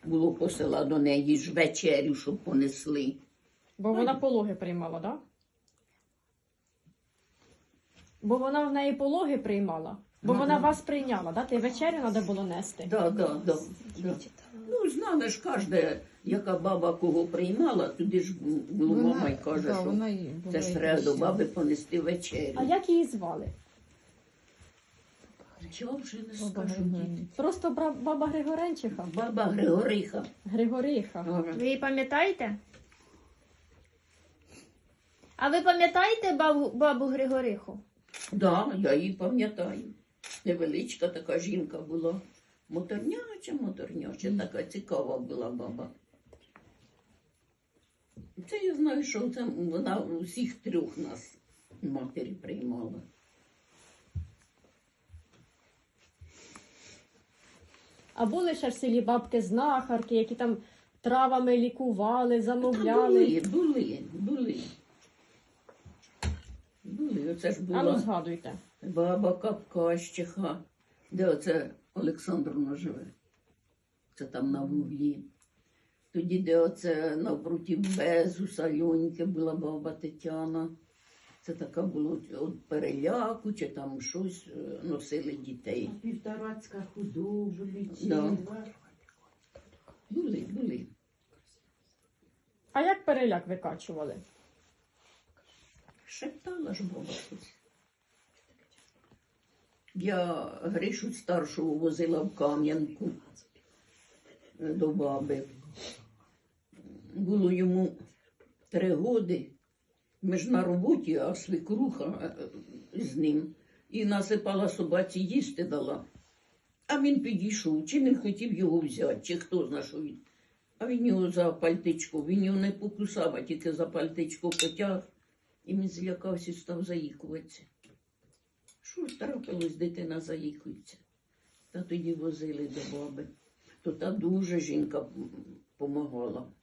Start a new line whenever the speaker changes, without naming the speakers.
було посила до неї ж вечерю, щоб понесли.
Бо вона пологи приймала, так? Да? Бо вона в неї пологи приймала. Бо вона вас прийняла, да? Ти вечерю треба було нести.
Да. Ну, знали ж кожна, яка баба кого приймала, туди ж було мама й каже, що це ж треба до баби понести вечерю.
А як її звали?
Чого вже не скажу, діти.
Просто баба Григоренчиха?
Баба Григориха.
Григориха.
Ви її пам'ятаєте? А ви пам'ятаєте бабу Григориху?
Да, я її пам'ятаю. Невеличка така жінка була. Моторняча, така цікава була баба. Це я знаю, що це вона усіх трьох нас матері приймала.
А були ще в селі бабки-знахарки, які там травами лікували, замовляли.
Були. Оце ж
А ну
була
згадуйте.
баба Капкащиха. Де оце Олександровна живе? Це там на вуглі. Тоді, де оце навпроти Безуса, Льоньки була баба Тетяна. Це така було від переляку, чи там щось носили дітей.
Півторацька худоба,
Да.
лічила.
Були.
А як переляк викачували?
Шептала ж баба щось. Я Гришу старшого возила в Кам'янку до баби. Було йому 3 роки. Ми ж на роботі, а свекруха з ним. І насипала собаці їсти дала. А він підійшов, чи не хотів його взяти, чи хто знає, що він. А він його за пальтичко, він його не покусав, а тільки за пальтичко потяг. І він злякався і став заїкуватися. Що ж трапилось, дитина заїкується? Та тоді возили до баби. То та дуже жінка помагала.